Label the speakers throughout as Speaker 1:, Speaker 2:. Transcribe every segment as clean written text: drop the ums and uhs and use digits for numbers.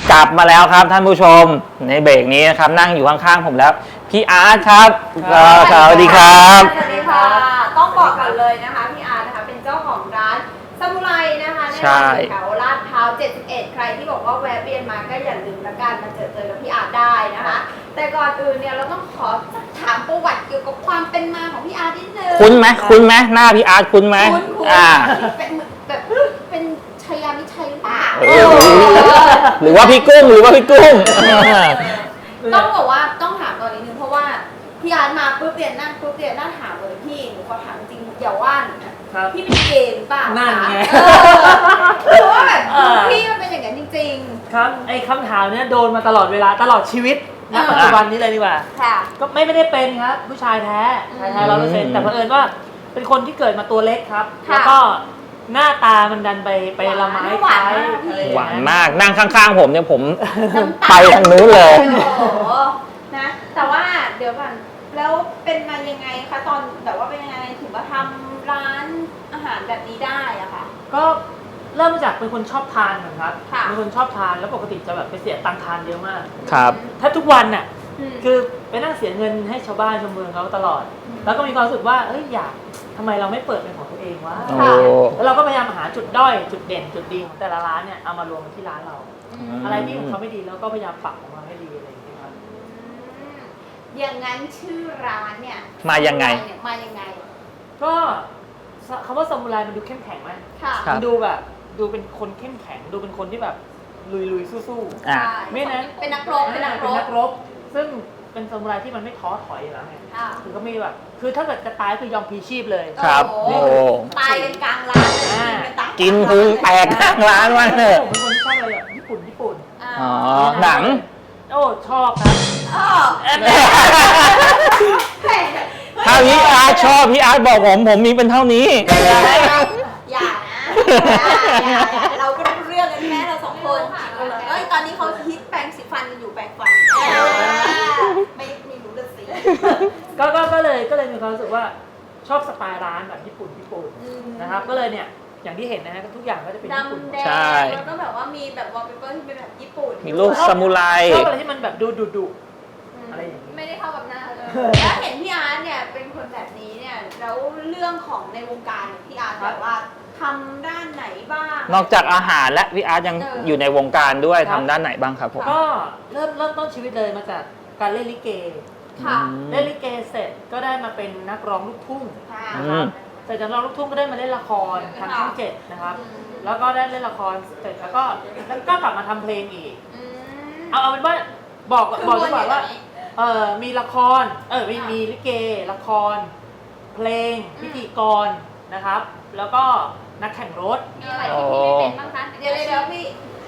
Speaker 1: กลับมาแล้วครับท่านผู้ชมในเบรกนี้นะครับนั่งอยู่ข้างๆผมแล้วพี่อาร์ตครับสวัสดีครับ
Speaker 2: สวัสดีค่ะต้องบอกก่อนเลยนะคะพี่อาร์ตนะคะเป็นเจ้าของร้านซามูไรนะคะในแถวลาดพร้าว71ใครที่บอกว่าแวะเวียนมาก็อย่าลืมละกันมาเจอกับพี่อาร์ตได้นะคะแต่ก่อนอื่นเนี่ยเราต้องขอถามประวัติเกี่ยวกับความเป็นมาของพี่อาร์ตนิดนึง
Speaker 1: คุ้นไหมหน้าพี่อาร์ตคุ้นไหม
Speaker 2: เป็นแบบเป็นชัยยามิชัยหรือเปล่า
Speaker 1: หรือว่าพี่กุ้ง
Speaker 2: ต้องบอกว่าต้องถามตอนนี้นึงเพราะว่าพี่อาร์ตมาปุ๊บเรียนนั่งถามเลยพี่หนูขอถามจริงอย่าว่าหนูนะพี่เป็นเกย์หรือเปล่า
Speaker 3: นั่นไง
Speaker 2: คือว่าแบบพี่มันเป็นอย่างนั้นจริง
Speaker 3: ๆครับไอ้คำถามเนี้ยโดนมาตลอดเวลาตลอดชีวิตณปัจจุบันนี้เลยดีกว่าก็ไม่ได้เป็นครับผู้ชายแท้100%แต่เผอิญว่าเป็นคนที่เกิดมาตัวเล็กครับแล้วก็หน้าตามันดันไปละไม้คล้าย
Speaker 1: หวานมากนั่งข้างๆผมเนี่ยผมไปทางนู้นเลย
Speaker 2: นะแต่ว่าเดี๋ยวก่อนแล้วเป็นมายังไงคะตอนแบบว่าเป็นยังไงถึงว่าทำร้านอาหารแบบนี้ได้อะค่ะ
Speaker 3: ก็เริ่มจากเป็นคนชอบทานเหมือนครับเป็นคนชอบทานแล้วปกติจะแบบไปเสียตังค์ทานเยอะมาก
Speaker 1: ครับ
Speaker 3: ถ้าทุกวันน่ะคือไปนั่งเสียเงินให้ชาวบ้านชาวเมืองเขาตลอดแล้วก็มีความรู้สึกว่าอยากทำไมเราไม่เปิดเป็นของตัวเองวะแล้วเราก็พยายามหาจุดด้อยจุดเด่นจุดดีของแต่ละร้านเนี่ยเอามารวมที่ร้านเราอะไรที่ของเขาไม่ดีแล้วก็พยายามปรับของเราให้ดีอะไรอย่างเงี้ยครับ
Speaker 2: อย่างนั้นชื่อร้านเนี่ย
Speaker 1: มายังไง
Speaker 3: ก็คำว่าซามูไรมันดูเข้มแข็งไหมมันดูแบบดูเป็นคนเข้มแข็งดูเป็นคนที่แบบลุยสู้ๆไม่นั้น
Speaker 2: เป็นนักรบ
Speaker 3: ซึ่งเป็นซามูไรที่มันไม่ท้อถอยอยู่แล้วไงคือก็มีแบบคือถ้าเกิดจะตายคือยอมพลีชีพเลย
Speaker 1: ครับ
Speaker 2: ตายกันกลางร้าน
Speaker 1: กินพุงแตกกลางร้านวะ
Speaker 3: เนี่ยผมเป็นคนชอบอะไรแบบญี่ปุ่น
Speaker 1: อ๋อหนัง
Speaker 3: ชอบครับ
Speaker 1: ถ้าพี่อาร์ตชอบพี่อาร์ตบอกผมมีเป็นเท่านี้
Speaker 2: อย่าเราก็รู้เรื่องกันแม่เรา2คนตอนนี้เขาฮิตแปรงสีฟันกันอยู่แปรงฟันไม่รู้เลยสิ
Speaker 3: ก็เลยมีความรู้สึกว่าชอบสไตล์ร้านแบบญี่ปุ่นนะครับก็เลยเนี่ยอย่างที่เห็นนะฮะทุกอย่างก็จะเป็นญี่ปุ่น
Speaker 1: ใช่
Speaker 2: แล้วก็แบบว่ามีแบบวอลเปเปอร์ที่เป็นแบบญี่ปุ่น
Speaker 1: มีรูปซามูไร
Speaker 3: ชอบอะไรที่มันแบบดุอะไรอย่างนี้
Speaker 2: ไม่ได้เข้ากับหน้าเลยแล้วเห็นพี่อาร์ตเนี่ยเป็นคนแบบนี้เนี่ยแล้วเรื่องของในวงการพี่อาร์ตแบบว่าทำด้านไหนบ้าง
Speaker 1: นอกจากอาหารและพี่อาร์ตยังอยู่ในวงการด้วยทำด้านไหนบ้างครับผม
Speaker 3: ก็เริ่มต้นชีวิตเลยมาจากการเล่นลิเกเล่นลิเกเสร็จก็ได้มาเป็นนักร้องลูกทุ่งนะครับเสร็จจากร้องลูกทุ่งก็ได้มาเล่นละครทางช่อง7นะครับแล้วก็ได้เล่นละครเสร็จแล้วก็กลับมาทำเพลงอีกเอาเป็นว่าบอกดีกว่าว่ามีละครมีลิเกละครเพลงพิธีกรนะครับแล้วก็นักแข่งรถ
Speaker 2: มีอะไรที่พี่ไม่เป็นบ้างคะเดี๋ยวพี่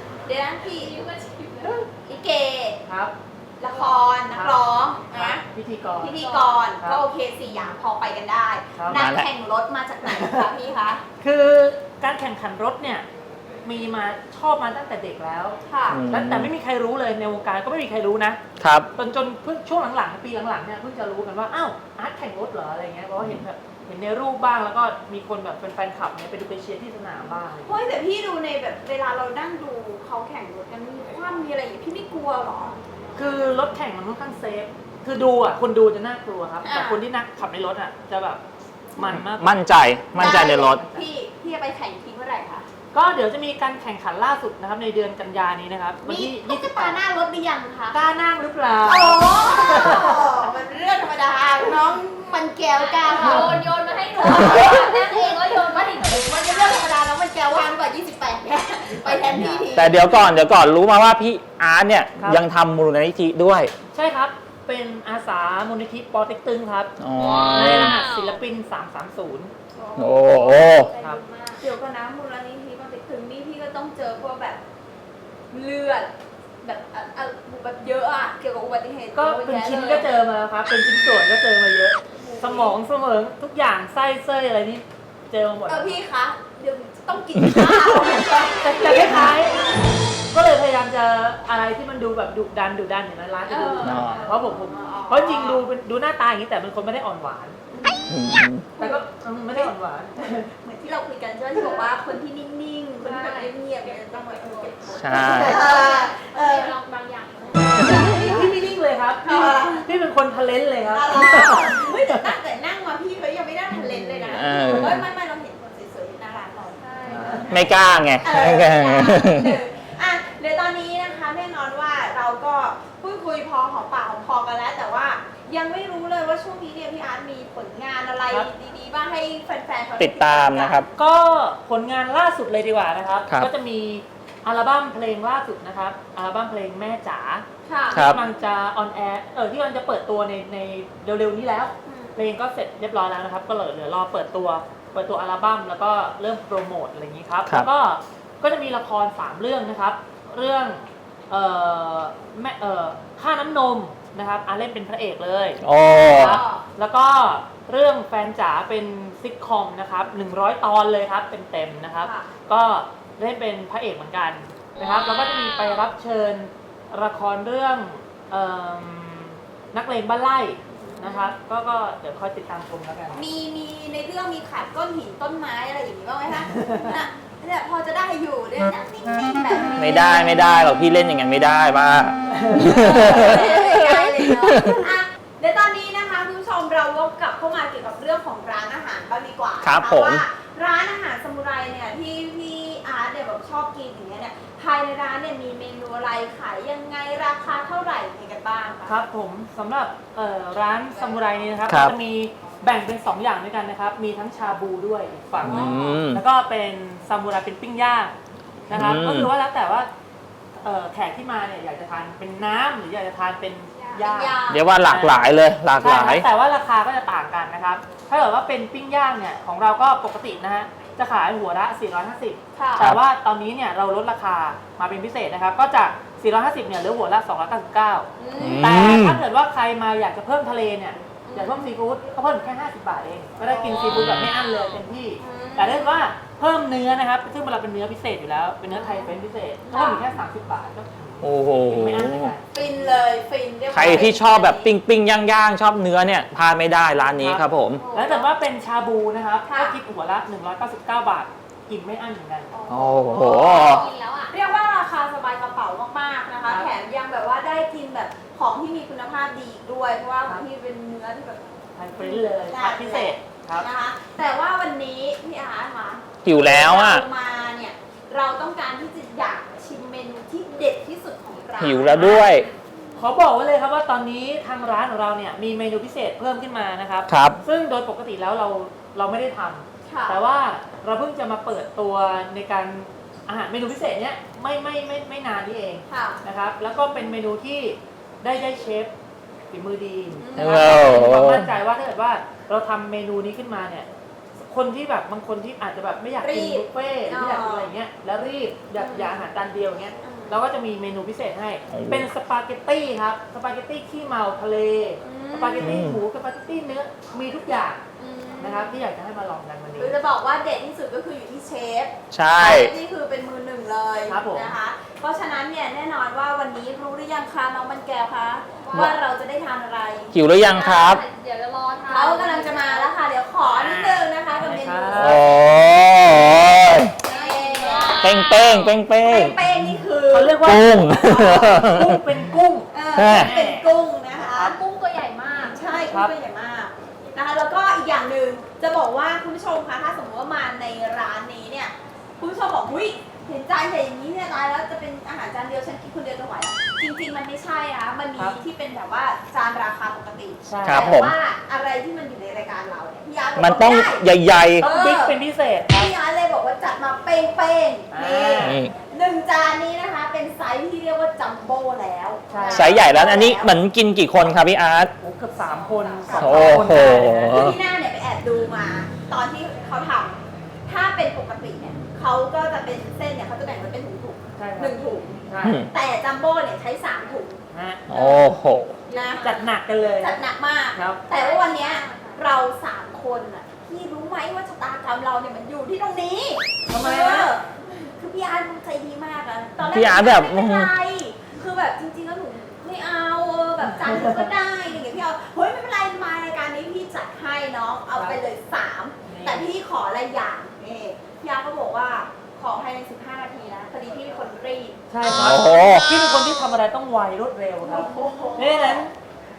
Speaker 2: ลิเก
Speaker 3: ครับ
Speaker 2: ละครนักร้องนะ
Speaker 3: พิธีก
Speaker 2: รก็โอเค4อย่างพอไปกันได้นักแข่งรถมาจากไหนคะพี่คะ
Speaker 3: คือการแข่งขันรถเนี่ยมีมาชอบมาตั้งแต่เด็กแล้วแต่ไม่มีใครรู้เลยในวงการก็ไม่มีใครรู้นะครับจนเพิ่งช่วงหลังๆปีหลังๆเนี่ยเพิ่งจะรู้กันว่าอ้าวอาร์ตแข่งรถเหรออะไรเงี้ยเพราะว่าเห็นในรูปบ้างแล้วก็มีคนแบบเป็นแฟนคลับเนี่ยไปดูไปเชียร์ที่สนามบ้าง
Speaker 2: เฮ้ยแต่พี่ดูในแบบเวลาเรานั่งดูเขาแข่งรถกันมีความมีอะไรอย่างพี่ไม่กลัวหรอ
Speaker 3: คือรถแข่งมันค่อนข้างเซฟคือดูคนดูจะน่ากลัวครับแต่คนที่นักขับในรถจะแบบมันมาก
Speaker 1: มั่นใจในรถ
Speaker 2: พี่จะไปแข่งทีเมื่อไหร่คะ
Speaker 3: ก็เดี๋ยวจะมีการแข่งขันล่าสุดนะครับในเดือนกันยายนนี้นะครับ
Speaker 2: วันที่28หน้ารถหรือยังคะ
Speaker 3: กล้านั่งหรือเปล่า
Speaker 2: มันเรื่องธรรมดาน้องมันแก้วกล้าโยนมาให้หนูนั่งเองแล้วโยนมาให้หนูมันเป็นเรื่องธรรมดาแล้วมันแก้วว่างกว่า28เนี่ยไปแทนพี่ที
Speaker 1: แต่เดี๋ยวก่อนรู้มาว่าพี่อาร์ตเนี่ยยังทำมูลนิธิด้วย
Speaker 3: ใช่ครับเป็นอาสามูลนิธิปอเต็กตึงครับในรหัสศิลปิน330
Speaker 1: โอ้
Speaker 3: ครับ
Speaker 2: เดี๋ยวก่อนนะมูลนิธิปอเต็กตึงนี่พี่ก็ต้องเจอพวกแบบเลือดแบบเยอะอะเกี่ยวกับอุบัติเหตุ
Speaker 3: ก็เป็นชิ้นก็เจอมาครับเป็นชิ้นส่วนก็เจอมาเยอะสมองทุกอย่างไส้เส้ยอะไรนี่เจอมาหมด
Speaker 2: พี่คะเดี๋ยวต้องกินข้าว
Speaker 3: แต่คล้ายๆก็เลยพยายามจะอะไรที่มันดูแบบดุดันอย่างนั้นร้านจะดูเพราะจริงดูหน้าตาอย่างนี้แต่เป็นคนไม่ได้อ่อนหวานแต่ก็ไม่ได้อ่อนหวาน
Speaker 2: เหมือนที่เราคุยกันใช่ไหมที่บอกว่าคนที่นิ่งๆคนที่แบบเงียบๆเนี่ยต้องมาเก็บ
Speaker 1: ใช่
Speaker 3: คนทะเลนเลยครับ
Speaker 2: เฮ้ยแต่นั่งมาพี่เขายังไม่ได้ทันเลนเลยนะเฮ้ยไม่เราเห็นคนสวยๆน่ารักหน่อยใช่
Speaker 1: ไม่กล้าไง
Speaker 2: อ่ะเดี๋ยวตอนนี้นะคะแน่นอนว่าเราก็พูดคุยพอหอมปากหอมคอกันแล้ว แต่ว่ายังไม่รู้เลยว่าช่วงนี้เนี่ยพี่อาร์ตมีผลงานอะไร
Speaker 3: ครับ
Speaker 2: ดีๆบ้างให้แฟนๆเขา
Speaker 1: ติดตามนะครับ
Speaker 3: ก็ผลงานล่าสุดเลยดีกว่านะครับ
Speaker 1: ครับ
Speaker 3: ก็จะมีอัลบั้มเพลงล่าสุดนะครับ อัลบั้มเพลงแม่จ๋า
Speaker 2: ค่ะ
Speaker 1: ครับ
Speaker 3: ที่มันจะออนแอร์ที่มันจะเปิดตัวในเร็วๆนี้แล้ว เพลงก็เสร็จเรียบร้อยแล้วนะครับ ก็เหลือรอเปิดตัวอัลบั้มแล้วก็เริ่มโปรโมทอะไรอย่างนี้ครับ
Speaker 1: ครับ
Speaker 3: แล้วก็จะมีละคร3เรื่องนะครับ เรื่องแม่ค่าน้ำนมนะครับเล่นเป็นพระเอกเลย
Speaker 1: โอ้
Speaker 3: ครับแล้วก็เรื่องแฟนจ๋าเป็นซิทคอมนะครับ100 ตอนเลยครับเต็มๆนะครับ
Speaker 2: ค่ะ
Speaker 3: ก็เล่นเป็นพระเอกเหมือนกันนะครับแล้วก็จะมีไปรับเชิญละครเรื่องนักเลงบ้านไร่นะครับก็เดี๋ยวคอยติดตามชมแล้วกัน
Speaker 2: มีในเรื่องมีขาดก้อนหินต้นไม้อะไรอย่างนี้บ้างไหมคะน่ะเนี่ยพอจะได้อยู่เนี่ยนั่งนิ่งๆแบบนี้
Speaker 1: ไม่ได้หรอกพี่เล่นอย่างนั้นไม่ได้ป้า
Speaker 2: ไม่ได้เลยเนาะอ่ะเดี๋ยวตอนนี้นะคะคุณผู้ชมเราวกกลับเข้ามาเกี่ยวกับเรื่องของร้านอาหารบ้างดีกว่า
Speaker 1: ครับ
Speaker 2: นะะ
Speaker 1: ผม
Speaker 2: ว่าร้านอาหารซามูไรเนี่ยที่พี่อาร์ตเนี่ยแบบชอบกินอย่างเงี้ยเนี่ยภายในร้านเนี่ยมีเมนูอะไรขายยังไงราคาเท่าไหร่ยังไงกันบ้างคะ
Speaker 3: ครับผมสำหรับร้านซามูไรนี้นะครับ
Speaker 1: ครับ
Speaker 3: จะมีแบ่งเป็น2อย่างด้วยกันนะครับ มีทั้งชาบูด้วยอีกฝั่งหนึ่ง
Speaker 1: ม
Speaker 3: แล้วก็เป็นซามูไรเป็นปิ้งย่างนะครับ
Speaker 1: อืม
Speaker 3: ก็คือว่าแล้วแต่ว่าแขกที่มาเนี่ยอยากจะทานเป็นน้ำหรืออยากจะทานเป็นย่าง
Speaker 1: เรียกว่าหลากหลายเลยหลากหลาย
Speaker 3: ใช่ครับแต่ว่าราคาก็จะต่างกันนะครับ ถ้าเกิดว่าเป็นปิ้งย่างเนี่ยของเราก็ปกตินะฮะจะขายหัวละ 450
Speaker 2: ค่ะ
Speaker 3: แต่ว่าตอนนี้เนี่ยเราลดราคามาเป็นพิเศษนะครับ ก็จาก 450 เนี่ยเหลือหัวละ 299 แต่ถ้าเกิดว่าใครมาอยากจะเพิ่มทะเลเนี่ยอยากเพิ่มซีฟู้ดก็เพิ่มแค่ 50 บาทเอง ก็ได้กินซีฟู้ดแบบไม่อั้นเลยเต็มที่ แต่ถ้าเกิดว่าเพิ่มเนื้อนะครับ ซึ่งเราเป็นเนื้อพิเศษอยู่แล้ว เป็นเนื้อไทยเป็นพิเศษก็เพิ่มอีกแค่ 30 บาทก็
Speaker 1: โอ้โห
Speaker 3: กินไม่อั้นเหมือนกัน
Speaker 2: ฟินเลยฟินเรียกว่า
Speaker 1: ใครที่ชอบแบบปิ้งย่างชอบเนื้อเนี่ยพลาดไม่ได้ร้านนี้ครับผม
Speaker 3: แล้วแต่ว่าเป็นชาบูนะครับ
Speaker 2: ค่ะ
Speaker 3: ก็คิดหัวละ 199 บาท กินไม่อั้นเหมือนกัน
Speaker 1: โอ้โห
Speaker 2: กินแล้วอ่ะเรียกว่าราคาสบายกระเป๋ามากๆนะคะ
Speaker 3: ครับ
Speaker 2: แถมยังแบบว่าได้กินแบบของที่มีคุณภาพดีอีกด้วย เพราะว่า
Speaker 3: ครับ
Speaker 2: ที่เป็นเนื้อที่แบบ
Speaker 3: ทานฟรีเลยคัดพิเศษครับ
Speaker 2: นะคะ แต่ว่าวันนี้พี่อาร์ตคะ
Speaker 1: หิวแล้วอ่ะ
Speaker 2: เรามาเนี่ยเราต้องการที่จะอยากชิมเมนูที่เด็ดที่สุดของร้าน
Speaker 1: หิวแล้วด้วย
Speaker 3: ขอบอกไว้เลยครับว่าตอนนี้ทางร้านของเราเนี่ยมีเมนูพิเศษเพิ่มขึ้นมานะครับ
Speaker 1: ครับ
Speaker 3: ซึ่งโดยปกติแล้วเราไม่ได้ทำ
Speaker 2: ค่ะ
Speaker 3: แต่ว่าเราเพิ่งจะมาเปิดตัวในการอาหารเมนูพิเศษเนี้ยไม่นานนี้เอง
Speaker 2: ค่ะ
Speaker 3: นะครับ แล้วก็เป็นเมนูที่ได้เชฟฝีมือดี
Speaker 1: โอ้
Speaker 3: นะครับ
Speaker 1: โห
Speaker 3: มีความมั่นใจว่าถ้าเกิดว่าเราทำเมนูนี้ขึ้นมาเนี่ยคนที่แบบบางคนที่อาจจะแบบไม่อยากกิน
Speaker 2: รีบ
Speaker 3: บุฟเฟ่ต์ไม่อยากกินอะไรเงี้ยแล้วรีบอยากอาหารจานเดียวเงี้ย เราก็จะมีเมนูพิเศษให้
Speaker 1: โอ้โห
Speaker 3: เป็นสปาเกตตี้ครับ สปาเกตตี้ขี้เมาทะเล
Speaker 2: อืม
Speaker 3: สปาเกตตี้หมู สปาเกตตี้เนื้อ มีทุกอย่าง
Speaker 2: อืม
Speaker 3: นะครับที่อยากจะให้มาลองกันวันนี้
Speaker 2: คือจะบอกว่าเด็ดที่สุดก็คืออยู่ที่เชฟ
Speaker 1: ใช่
Speaker 2: นี่คือเป็นมือหนึ่งเลย
Speaker 3: ครับผม
Speaker 2: นะคะ เพราะฉะนั้นเนี่ยแน่นอนว่าวันนี้รู้หรือยังคะน้องมันแก้วคะว่าเราจะได้ทานอะไร
Speaker 1: หิวหรือยังครับ
Speaker 2: เดี๋ยวจะรอทานเขากำลังจะมาแล้วค่ะ เดี๋ยวขอนิดนึงนะคะกับเมนู
Speaker 1: โอ้ยเป้งเป้ง
Speaker 2: เป้งนี่คือ
Speaker 3: เขาเรียกว่า
Speaker 1: กุ้ง
Speaker 3: กุ้งเป็นกุ้ง
Speaker 2: เป็นกุ้งนะคะ
Speaker 3: ครับ
Speaker 2: กุ้งตัวใหญ่มาก ใช่
Speaker 3: ครั
Speaker 2: กุ้ง
Speaker 3: บ
Speaker 2: ตัวใหญ่มากนะคะแล้วก็อีกอย่างหนึ่งจะบอกว่าคุณผู้ชมคะถ้าสมมติว่ามาในร้านนี้เนี่ยคุณผู้ชมบอกหุ้ยเห็นจานใหญ่อย่างนี้เนี่ยตายแล้วจะเป็นอาหารจานเดียวฉันกินคนเดียวจะไหวเหรอจริงๆมันไม่ใช่นะมันมีที่เป็นแบบว่าจานราคาปกติ
Speaker 3: ใช่
Speaker 1: ครับ
Speaker 2: แต่
Speaker 1: ผม
Speaker 2: ว่าอะไรที่มันอยู่ในรายการเราเนี่ยพี่อาร์ตบก
Speaker 1: มันต้อง
Speaker 2: ได้
Speaker 1: ใหญ่
Speaker 3: ต้องบิ๊กเป็นพิเศษครับ
Speaker 2: พี่อาร์ตเลยบอกว่าจัดมาเป้งๆ
Speaker 3: อ่า
Speaker 2: นี่
Speaker 1: ๆนี่
Speaker 2: หนึ่งจานนี้นะคะเป็นไซส์ที่เรียกว่าจัมโบ้แล้ว
Speaker 3: ใช่
Speaker 1: ไซส์ใหญ่แล้วอันนี้เหมือนกินกี่คนครับพี่อาร์ต
Speaker 3: โอ้เกือบ3 คนสอง
Speaker 1: โอ้
Speaker 3: คน
Speaker 1: โห
Speaker 3: ได้นะ
Speaker 2: คือที่หน้าเนี่ยไปแอบดูมา ตอนที่เขาทำถ้าเป็นปกติเนี่ยเขาก็จะเป็นเส้นเนี่ยเขาจะแบ่งไว้เป็นถุง
Speaker 3: ใช่
Speaker 2: ๆ
Speaker 3: ค
Speaker 2: ห
Speaker 3: รับ
Speaker 2: นึ่งถุง
Speaker 3: ใช่
Speaker 2: แต่จัมโบ้เนี่ยใช้3ถุง
Speaker 3: ฮะ
Speaker 1: โอ้โห
Speaker 2: นะ
Speaker 3: จัดหนักกันเลย
Speaker 2: จัดหนักมาก
Speaker 3: ครับ
Speaker 2: แต่ว่าวันเนี้ยเรา3คนอ่ะพี่รู้ไหมว่าชะตากรรมเราเนี่ยมันอยู่ที่ตรงนี้
Speaker 3: ทำไม
Speaker 2: เอ
Speaker 3: นะ
Speaker 2: อคือพี่อาร์ตใจดีมากอะตอนแรก
Speaker 1: พี่อาร์ตแบบ
Speaker 2: ไม่เป็นไรคือแบบจริงๆแล้วหนูไม่เอาแบบจานเดียวก็ได้อะไรอย่างเงี้ยพี่เอาเฮ้ยไม่เป็นไรมารายการนี้พี่จัดให้น้องเอาไปเลย3แต่พี่ขออะไรอย่างนี่พี่อาร์ตก็บอกว่าขอภายใน15 นาทีนะพอดีพี่เป็นคนรีบ
Speaker 3: ใช่ครับ
Speaker 1: โอ้โห
Speaker 3: พี่เป็นคนที่ทำอะไรต้องไวรวดเร็วครับเพราะฉะนั้น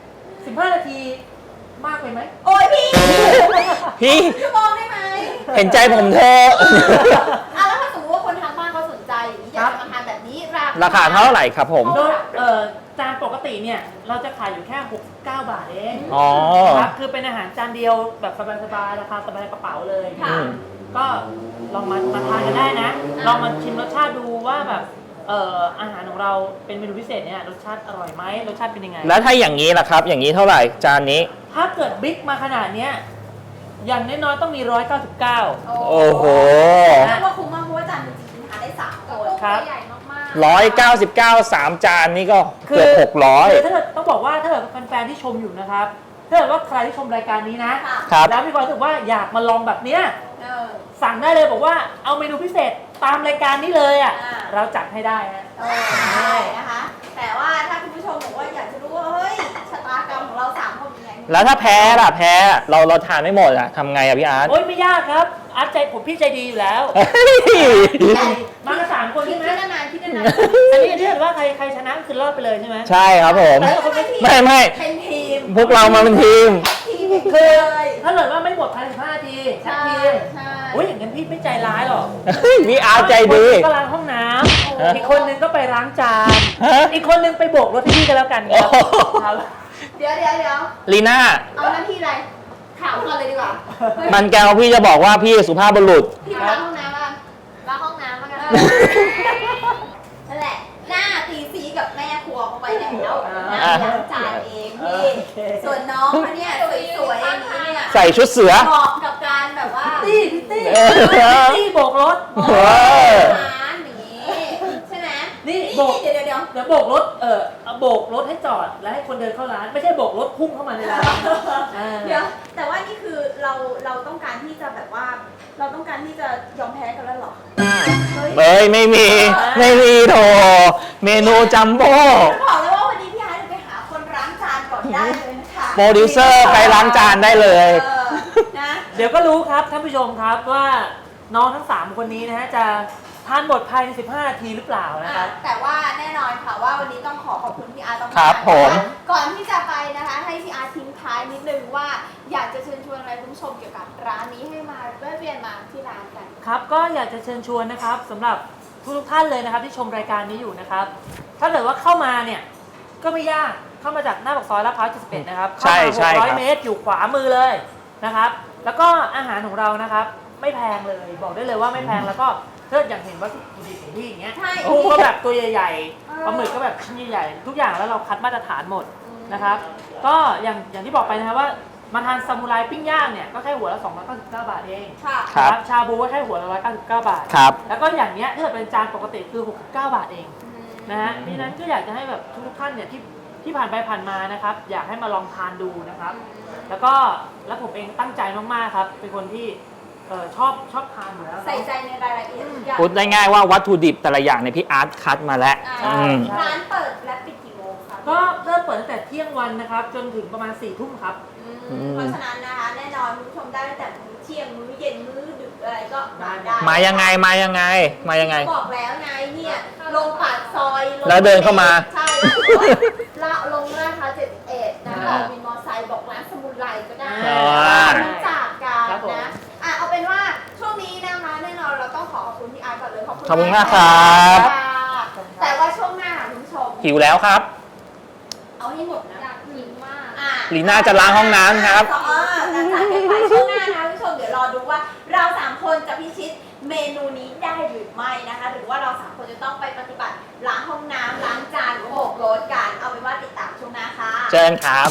Speaker 3: 15 นาทีมากไปไหม
Speaker 2: โอ้ยพี่
Speaker 1: พี่
Speaker 2: ชั่วโมงได้ไหม
Speaker 1: เห็นใจผมเถอะ
Speaker 2: แล้วถ้าสมมติว่าคนทางบ้านเขาสนใจอยากจะมาทานแบบนี้
Speaker 1: ราคาเท่าไหร่ครับผม
Speaker 3: โดยจานปกติเนี่ยเราจะขายอยู่แค่69 บาทเอง
Speaker 1: อ๋อ
Speaker 3: ครับคือเป็นอาหารจานเดียวแบบสบายๆราคาสบายกระเป๋าเลย
Speaker 2: ค่ะ
Speaker 3: ก็ลองมาทานกันได้นะ ลองมาชิมรสชาติดูว่าแบบอาหารของเราเป็นเมนูพิเศษเนี่ยรสชาติอร่อยไหมรสชาติเป็นยังไง
Speaker 1: แล้วถ้าอย่างนี้ล่ะครับ อย่างนี้เท่าไหร่จานนี้
Speaker 3: ถ้าเกิดบิ๊กมาขนาดเนี้ยอย่างน้อยๆต้องมี 199
Speaker 1: โอ้โห
Speaker 2: เรียกว่าคุ้มมากเพราะว่าจานหนึงจริงๆทานได้3 คน
Speaker 3: ครับ
Speaker 2: ใหญ่มาก
Speaker 1: 199 3 จานนี่ก็
Speaker 3: คื
Speaker 1: เกือบ
Speaker 3: คือ
Speaker 1: 600
Speaker 3: ถ้าเกิดต้องบอกว่าถ้าเกิดแฟนๆที่ชมอยู่นะครับถ้าเกิดว่าใครที่ชมรายการนี้นะ
Speaker 2: ค่ะ
Speaker 1: ครับ
Speaker 3: แล้วมีความรู้สึกว่าอยากมาลองแบบเนี้ย
Speaker 2: เออ
Speaker 3: สั่งได้เลยบอกว่าเอาเมนูพิเศษตามรายการนี้เลยอ่ะ
Speaker 2: อ่า
Speaker 3: เราจัดให้ได้ฮะ
Speaker 2: ได้นะคะ แต่ว่าถ้าคุณผู้ชมบอกว่าอยากจะรู้ว่าเฮ้ยชะตากรรมของเรา3 คนเป็นไง
Speaker 1: แล้วถ้าแพ้ล่ะแพ้เราทานไม่หมดอะทำไงอะพี่อาร์ต
Speaker 3: โอ้ยไม่ยากครับอาร์ตใจผมพี่ใจดีอยู่แล้ว
Speaker 1: เฮ้ย
Speaker 3: มากัน3 คน
Speaker 2: คิด
Speaker 3: ใช่ไหม
Speaker 2: นานๆคิดนาน
Speaker 3: อันนี้ถ้าเกิดว่าใครชนะก็คือรอดไปเลยใช่ไหม
Speaker 1: ใช่ครับผม
Speaker 3: แต่ถ้าคนไม่
Speaker 1: ไม่
Speaker 2: เป็นทีม
Speaker 1: พวกเรามาเป็นทีม
Speaker 2: ทีม
Speaker 3: คื
Speaker 2: เล
Speaker 3: อย ถ้าเกิดว่าไม่หมดภายใน15 นาทีแท็ก
Speaker 2: ใช่
Speaker 3: ทีม
Speaker 2: ใช่
Speaker 3: โอ้ยอย่างนั้นพี่ไม่ใจร้ายหรอก
Speaker 1: พี่อาร์ตใจดี
Speaker 3: อีกคนนึงก็ล้างห้องน้ำอีกคนนึงก็ไปล้างจาน
Speaker 1: ฮะ
Speaker 3: อีกคนนึงไปโบกรถให้พี่กันแล้วกันครับ
Speaker 1: โอ้โห
Speaker 3: ครับ
Speaker 2: เดี๋ยว
Speaker 1: ลีน่า
Speaker 2: เอาหน้าที่อะไรข่าวก่อนเลยดีกว่า
Speaker 1: มันแกวพี่จะบอกว่าพี่สุภาพบุรุษ
Speaker 2: พี่ไปล้างห้องน้ำมาล้างห้องน้ำมากันนั่นแหละ หน้าตีซีกับแม่ครัวเข้าไปแล้วนะล้างจานเองพี่ส่วนน้องเขาเนี่ยสวยๆอย่างนี้เนี่ย
Speaker 1: ใส่ชุดเสือ
Speaker 2: เหมาะกับการแบบว่า
Speaker 3: ตี้พี่ตี้
Speaker 1: เออ
Speaker 3: พี่ตี้โบกรถ
Speaker 1: เออ
Speaker 2: ร้านนี้ใช่ไหม
Speaker 3: นี่
Speaker 2: นี่
Speaker 3: โบก
Speaker 2: เดี๋ยว
Speaker 3: เดี๋ยวโบกรถเอาโบกรถให้จอดแล้วให้คนเดินเข้าร้าน ไม่ใช่โบกรถพุ่งเข้ามาในร้านอ่า
Speaker 2: เดี๋ยวแต่ว่านี่คือเราต้องการที่จะแบบว่า เราต้องการที่จะยอมแพ้กันแล้วเหรอเฮ้ย
Speaker 1: เอ้ยไม่มีโถเมนูจัมโบ้
Speaker 2: บอกเลยว่าวันนี้พี่ไอ้จะไปหาคนล้างจานก่อนได้เลยนะคะ
Speaker 1: โปรดิวเซอร์ไปล้างจานได้เลย
Speaker 2: เออนะ
Speaker 3: เดี๋ยวก็รู้ครับท่านผู้ชมครับว่าน้องทั้ง 3 คนนี้นะฮะจะทานหมดภายใน15 นาทีหรือเปล่านะครับ
Speaker 2: แต่ว่าแน่นอนค่ะว่าวันนี้ต้องขอบคุณพี่อาร์ตมากๆ
Speaker 1: ครับผม
Speaker 2: ก่อนที่จะไปนะคะให้พี่อาร์ตทิ้งท้ายนิดนึงว่าอยากจะเชิญชวนอะไรคุณผู้ชมเกี่ยวกับร้านนี้ให้มาแวะเวียนมาที่ร้านกัน
Speaker 3: ครับก็อยากจะเชิญชวนนะครับสำหรับทุกท่านเลยนะครับที่ชมรายการนี้อยู่นะครับถ้าเกิดว่าเข้ามาเนี่ยก็ไม่ยากเข้ามาจากหน้าปากซอยลาดพร้าว71นะครับ
Speaker 1: ใช่ใช่ครับ
Speaker 3: 600 เมตรอยู่ขวามือเลยนะครับแล้วก็อาหารของเรานะครับไม่แพงเลยบอกได้เลยว่าไม่แพงแล้วก็ถ้าอย่างเห็นว่าถุดิบของพี่อย่างเงี้ย
Speaker 2: ใช่
Speaker 3: กุ้งก็แบบตัวใหญ่
Speaker 2: เออ
Speaker 3: ๆปลาหมึกก็แบบชิ้นใหญ่ๆทุกอย่างแล้วเราคัดมาตรฐานหมดนะครับก็อย่างที่บอกไปนะครับว่ามาทานซามูไรปิ้งย่างเนี่ยก็แค่หัวละ299 บาทเอง
Speaker 2: ค่ะ
Speaker 1: ครับ
Speaker 3: ชาบูก็แค่หัวละ199 บาท
Speaker 1: ครับ
Speaker 3: แล้วก็อย่างเนี้ยถ้าเกิดเป็นจานปกติคือ69 บาทเองนะฮะดังนั้นก็อยากจะให้แบบทุกท่านเนี่ยที่ผ่านไปผ่านมานะครับอยากให้มาลองทานดูนะครับ แล้วผมเองตั้งใจมากๆครับเป็นคนที่ชอบทานอยู่แล้ว
Speaker 2: ใส่ใจในรายละเอียดทุกอย่าง
Speaker 1: พูดได้ง่ายว่าวัตถุดิบแต่ละอย่างในยพี่อาร์ตคัดมาแล้ว
Speaker 2: อ่า
Speaker 1: อืม
Speaker 2: ร้านเปิดและปิดกี่โมงคะ
Speaker 3: ก็เริ่มเปิดตั้งแต่เที่ยงวันนะครับจนถึงประมาณ4 ทุ่มครับ
Speaker 2: เพราะฉะนั้นนะคะแน่นอนคุณผู้ชมได้ตั้งแต่มื้อเที่ยงมื้อเย็นมื้อดึกอะไรก็มาได้
Speaker 1: มายังไง
Speaker 2: บอกแล้วไงเนี่ยลงปากซอยง
Speaker 1: แล้วเดินเข้ามา
Speaker 2: ใช่ละลงราคา71นะบอกวินมอไซค์บอกร้านสมุนไพรก็ได้
Speaker 3: อ่า
Speaker 2: รู้จักกัน
Speaker 3: ครับผม
Speaker 2: นะเอาเป็นว่าช่วงนี้นะคะแน่นอนเราต้องขอบคุณพี่อาร์ตก่อนเลยขอบคุณ
Speaker 1: ขอบคุณมากครับ
Speaker 2: แต่ว่าช่วงหน้าค่ะคุณผู้ชม
Speaker 1: หิวแล้วครับ
Speaker 2: เอาให้หมดนะอยากกินมาก
Speaker 1: ลีน่าจะล้างห้องน้ำครับ
Speaker 2: แต่จากกันไปช่วงหน้านะคะคุณผู้ชมเดี๋ยวรอดูว่าเรา3คนจะพิชิตเมนูนี้ได้หรือไม่นะคะ หรือว่าเรา3คนจะต้องไปปฏิบัติล้างห้องน้ำล้างจานโบกรถกันเอาเป็นว่าติดตามช่วงหน้าค่ะ
Speaker 1: เชิญครับ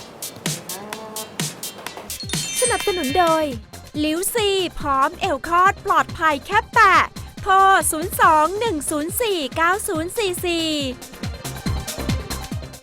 Speaker 4: สนับสนุนโดยลิวซีพร้อมเอลคอดปลอดภัยแค่แตะโทร 02-104-9044